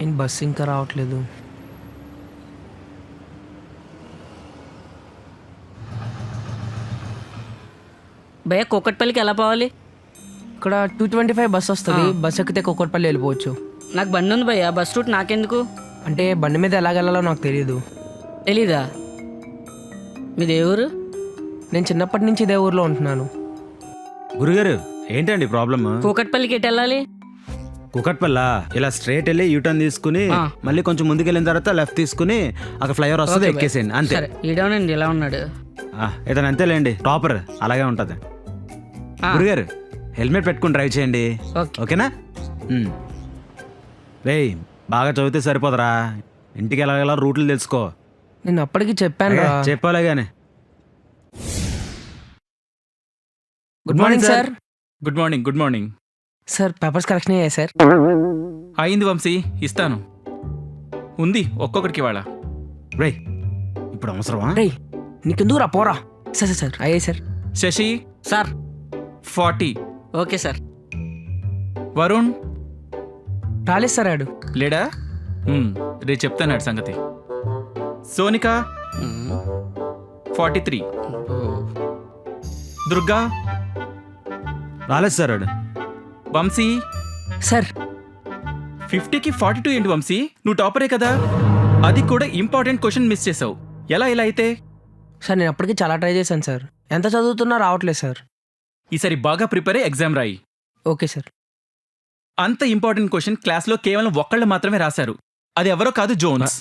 నేను బస్సు ఇంకా రావట్లేదు. భయ్య కూకట్పల్లికి ఎలా పోవాలి? ఇక్కడ 225 బస్ వస్తుంది. బస్ ఎక్కితే కూకట్పల్లి వెళ్ళిపోవచ్చు. నాకు బండి ఉంది భయ్య, బస్ రూట్ నాకెందుకు? అంటే బండి మీద ఎలాగెళ్ళాలో నాకు తెలియదు. తెలీదా? మీది ఏ ఊరు? నేను చిన్నప్పటి నుంచి ఇదే ఊర్లో ఉంటున్నాను. గురుగారు ఏంటండి ప్రాబ్లమ్? కూకట్పల్లికి ఎటు వెళ్ళాలి? కుకట్పల్లా ఇలా స్ట్రైట్ వెళ్ళి యూటర్న్ తీసుకుని మళ్ళీ కొంచెం ముందుకు వెళ్ళిన తర్వాత లెఫ్ట్ తీసుకుని అక్కడ ఫ్లైఓవర్ వస్తుంది, ఎక్కేసేయండి అంతే. సరే, ఈడవనండి ఇలా ఉన్నాడు. ఇతను అంతేలేండి, టాపర్ అలాగే ఉంటది. గురుగారు హెల్మెట్ పెట్టుకుని డ్రైవ్ చేయండి, ఓకేనా? రేయ్ బాగా చదివితే సరిపోదరా, ఇంటికి వెళ్ళగల రూట్లు తెలుసుకో. నేను అప్పటికి చెప్పాను. చెప్పాలే గానీ. Good morning sir. Good morning. Good morning sir. Papers correction అయ్యాయి సార్? అయింది వంశీ, ఇస్తాను. ఉంది ఒక్కొక్కడికి వాళ్ళ. రేయ్ ఇప్పుడు అవసరమా? రేయ్ నీకెందుకు రా, పోరా. సార్ సార్ సార్ అయ్యాయి sir. Shashi sir 40. Okay sir. Varun రాలేదు సార్. ఆడు లేడా? రేపు చెప్తాను సంగతి. సోనిక 43. దుర్గా రాలేదు సార్. ఆడు వంశీ సార్. 50కి 42 ఏంటి వంశీ? నువ్వు టాపరే కదా, అది కూడా ఇంపార్టెంట్ క్వశ్చన్ మిస్ చేసావు. ఎలా అయితే? సార్ నేను అప్పటికి చాలా ట్రై చేశాను సార్. ఎంత చదువుతున్నా రావట్లేదు సార్. ఈసారి బాగా ప్రిపేర్ అయ్యి ఎగ్జామ్ రాయి. Okay sir. అంత ఇంపార్టెంట్ క్వశ్చన్ క్లాస్లో కేవలం ఒక్కళ్ళు మాత్రమే రాశారు. అది ఎవరో కాదు, జోన్స్.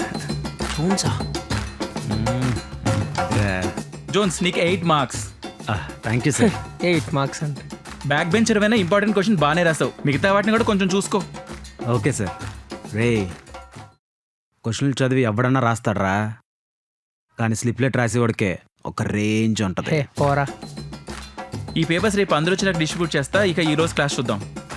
జోన్స్ నీకు 8 marks. Thank you sir. 8 marks అంటే బ్యాక్ బెంచర్ అయినా ఇంపార్టెంట్ క్వశ్చన్ బాగానే రాసావు, మిగతా వాటిని కూడా కొంచెం చూసుకో. Okay sir. రే క్వశ్చన్లు చదివి ఎవడన్నా రాస్తాడరా, కానీ స్లిప్లెట్ రాసేవాడికే ఒక రేంజ్ ఉంటుంది. పోరా. ఈ పేపర్స్ రేపు అందరూ వచ్చి నాకు డిస్ట్రిబ్యూట్ చేస్తా. ఇక ఈ రోజు క్లాస్ చూద్దాం.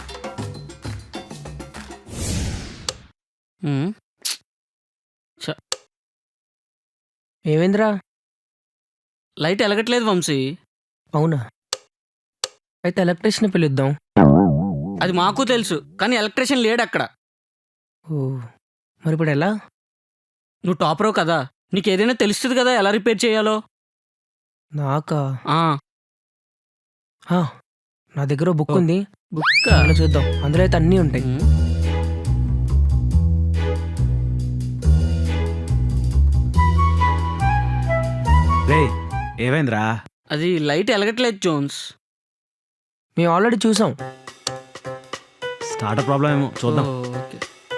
ఏమైందిరా? లైట్ ఎలగట్లేదు వంశీ. అవునా? అయితే ఎలక్ట్రీషియన్ పిలుద్దాం. అది మాకు తెలుసు, కానీ ఎలక్ట్రీషియన్ లేడు అక్కడ. ఓ మరి ఇప్పుడు ఎలా? నువ్వు టాపరో కదా, నీకు ఏదైనా తెలుస్తుంది కదా ఎలా రిపేర్ చేయాలో. నాకా? ఆ నా దగ్గర బుక్ ఉంది. బుక్ అందులో చూద్దాం. అందులో అయితే అన్నీ ఉంటాయి. రే ఏమైందిరా? అది లైట్ ఎలగట్లేదు జోన్స్. మేము ఆల్రెడీ చూసాం. స్టార్టర్ ప్రాబ్లం ఏమో చూద్దాం. ఓకే.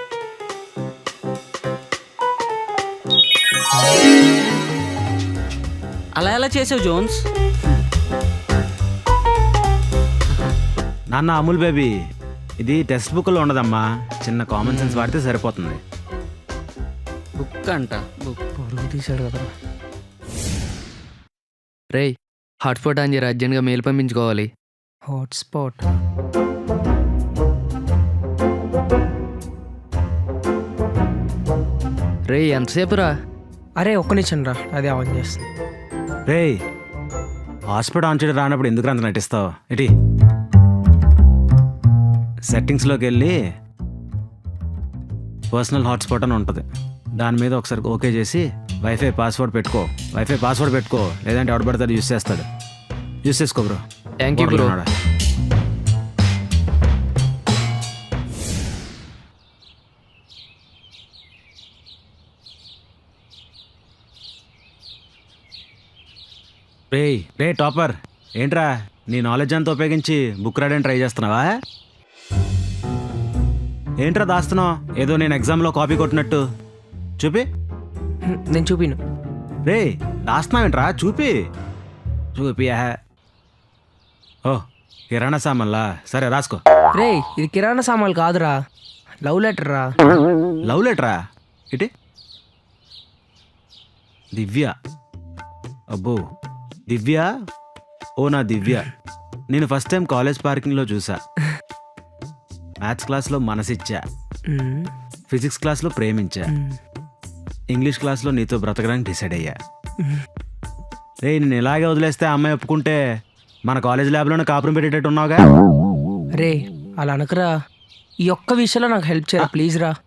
అలా ఎలా చేసావు జోన్స్? నాన్న అమూల్ బేబీ, ఇది టెక్స్ట్ బుక్లో ఉండదమ్మా, చిన్న కామన్ సెన్స్ వాడితే సరిపోతుంది. బుక్ అంట. బుక్ పరుగు తీసాడు కదా. రేయ్ హాట్స్పాట్ ఆన్ చేయరా, అర్జెంట్గా మెయిల్ పంపించుకోవాలి. హాట్స్పాట్? రేయ్ ఎంతసేపు రా? అరే ఒక్క నిమిషం రా, అది ఆన్ చేస్తుంది. రే హాట్స్పాట్ ఆన్ చేయడం రానప్పుడు ఎందుకు అంత నటిస్తావు? ఇటీ సెట్టింగ్స్లోకి వెళ్ళి పర్సనల్ హాట్స్పాట్ అని ఉంటుంది, దాని మీద ఒకసారి ఓకే చేసి వైఫై పాస్వర్డ్ పెట్టుకో. లేదంటే ఎవడు పడితే యూస్ చేస్తాడు. యూస్ చేసుకో బ్రో. Thank you bro. రే టాపర్, ఏంట్రా నీ నాలెడ్జ్ అంతా ఉపయోగించి బుక్ రాయడానికి ట్రై చేస్తున్నావా? ఏంట్రా దాస్తున్నావు? ఏదో నేను ఎగ్జామ్లో కాపీ కొట్టినట్టు. చూపి. నేను చూపిను. రే దాస్తున్నావేంట్రా? చూపి. ఓ కిరాణా సామాన్లా? సరే రాసుకో. రే ఇది కిరాణా సామాన్లు కాదురా, లవ్ లెటర్ రా. లవ్ లెటరా? ఇటీ దివ్య. అబ్బో దివ్య. ఓ నా దివ్య, నేను ఫస్ట్ టైం కాలేజ్ పార్కింగ్లో చూసా. మ్యాథ్స్ క్లాస్లో మనసిచ్చా, ఫిజిక్స్ క్లాస్లో ప్రేమించా, ఇంగ్లీష్ క్లాస్లో నీతో బ్రతకడానికి డిసైడ్ అయ్యా. రే నేను ఇలాగే వదిలేస్తే అమ్మాయి ఒప్పుకుంటే మన కాలేజ్ ల్యాబ్లోనే కాపురం పెట్టేటట్టు ఉన్నావుగా. రే అలా అనకరా, ఈ ఒక్క విషయంలో నాకు హెల్ప్ చేయరా ప్లీజ్ రా.